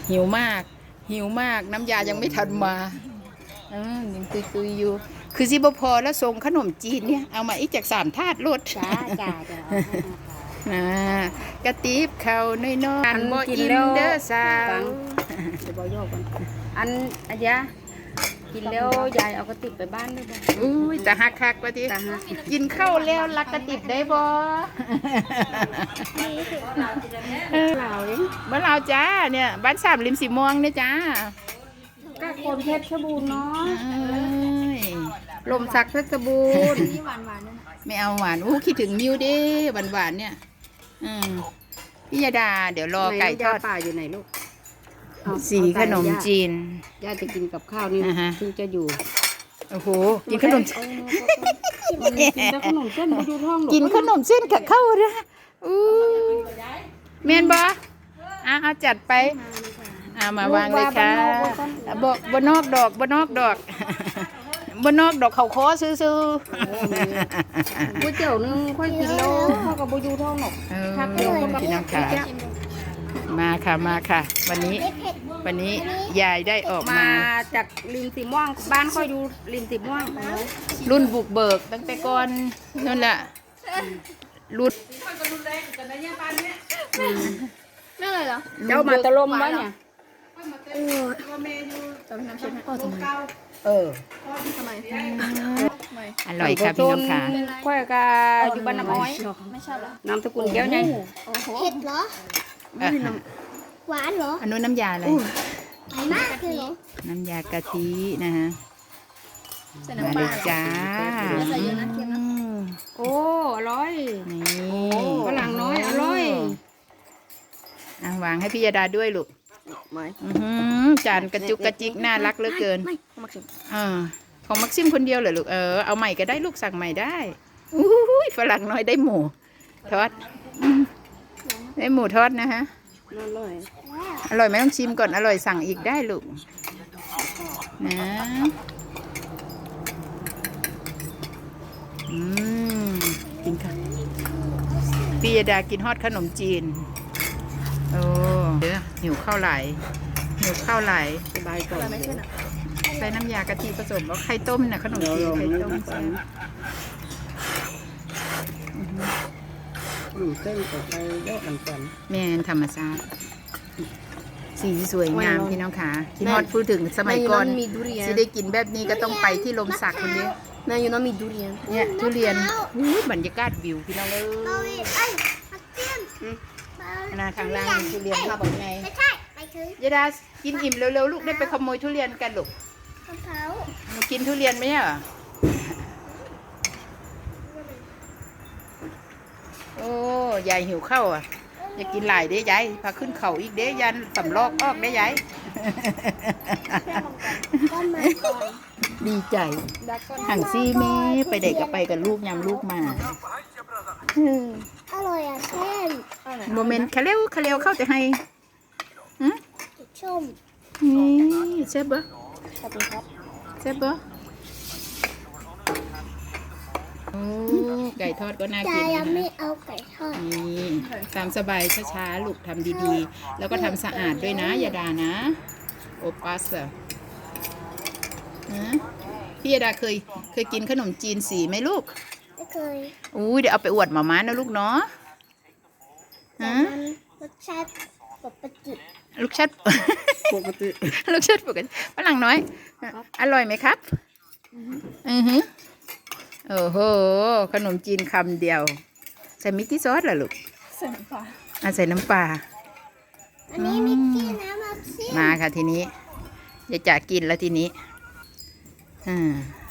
หิวมากหิวมากน้ำยายังไม่ทันมายังตุยอยู่คือสิบพอแล้วส่งขนมจีนเนี่ยเอามาอีกจาก3 ถาดรถจ้ากระติบเขาน้อยๆอันบ่อินเดอร์สาวเดี๋ยวบอกโยกกันอันอาญากินแล้วยายเอากระติบไปบ้านด้วยบ่อุ้ยแต่ฮักคักว่าทีกินข้าวแล้วรักกระติบได้บ่เราเองบ้านเราจ้าเนี่ยบ้าน3 ริม สีม่วงเนี่ยจ้าก็คนเพชรบูรณ์เนาะลมสักเพชรบูรณ์นี่หวานๆเนี่ยไม่เอาหวานคิดถึงมิวดิหวานเนี่ยพี่ยาดาเดี๋ยวรอไก่ทอดป่าอยู่ไหนลูกสีขนมจีนย่าจะกินกับข้าวนี่ถึงจะอยู่โอ้โหกินขนมกินขนมเส้นมาดูท้องกินขนมเส้นกับข้าวนะเมียนบอเอาจัดไปมาวางเลยค่ะบนอกดอกเขาคอซื้อก๋วยเตี๋ยวนึงค่อยกินแล้วเขากับบูยูท้องหนกพักเดียวพี่น้องค่ะมาค่ะวันนี้ยายได้ออกมาจากริมสีม่วงบ้านค่อยดูริมสีม่วงรุ่นบุกเบิกตั้งแต่ก่อนนั่นแหละรุ่นไม่เลยเหรอเจ้ามาตะลมวะเนี่ยทำไมอร่อยค่ะพี่น้องค่ะค่อยกะอยู่บ้านน้ำอ้อยไม่ชอบเหรอน้ำตะกุนแก้วไงเผ็ดเหรอหวานเหรออันนู้นน้ำยาอะไรไหนมากเลยเหรอน้ำยากะทินะฮะใส่น้ำปลาจ้าใส่เยอะนะเค็มนะโอ้อร่อยนี่ฝรั่งน้อยอร่อยวางให้พี่ยาดาด้วยลูกจานกระจุกกระจิกน่ารักเหลือเกินของมักซิมคนเดียวเหรอลูกเอาใหม่ก็ได้ลูกสั่งใหม่ได้ฝรั่งน้อยได้หมูทอดได้หมูทอดนะฮะอร่อยไหมต้องชิมก่อนอร่อยสั่งอีกได้ลูกนะกินค่ะพี่ยาดากินฮอดขนมจีนโอ้เดี๋ยวหิวข้าวไหลสบายก่อนใส่น้ำยากะทิผสมแล้วไข่ต้มน่ะขนมจีนไข่ต้มเส้นกับไปแยกกันก่อนแม่นธรรมชาติสีสวยงามพี่น้องค่ะคิดฮอดพูดถึงสมัยก่อนจะได้กินแบบนี้ก็ต้องไปที่ลมสักคนเดียวแม่อยู่น้องมีทุเรียนเนี่ยทุเรียนบรรยากาศวิวพี่น้องเลยทางล่างทุเรียนมาบอกไงยาดากินอิ่มเร็วๆลูกได้ไปขโมยทุเรียนกันลูกมากินทุเรียนไหมอ่ะโอ้ยายหิวข้าวอ่ะอยากกินหลายเด้ยายพาขึ้นเขาอีกเด้ยันสำลอกออกได้ยายดีใจห่างซี่แม่ไปเด็กก็ไปกับลูกยำลูกมาอร่อยอ่ะเช่นโมเมนต์คาเร็วเข้าแต่ให้ชมนี่เซฟเบอร์เซฟเบอร์ไก่ทอดก็น่ากินนะยังไม่เอาไก่ทอดนี่ตามสบายช้าๆลูกทำดีๆแล้วก็ทำสะอาดด้วยนะยาดานะโอปัสพี่ยาดาเคยกินขนมจีนสีไหมลูกไม่เคยเดี๋ยวเอาไปอวดหม่าม้านะลูกเนาะรสชาติปกติลูกชัดปกติฝรั่งน้อยอร่อยไหมครับโอ้โหขนมจีนคำเดียวใส่มิกกี้ซอสเหรอลูกใส่น้ำปลาใส่น้ำปลาอันนี้มิกกี้นะมาค่ะทีนี้จะกินแล้วทีนี้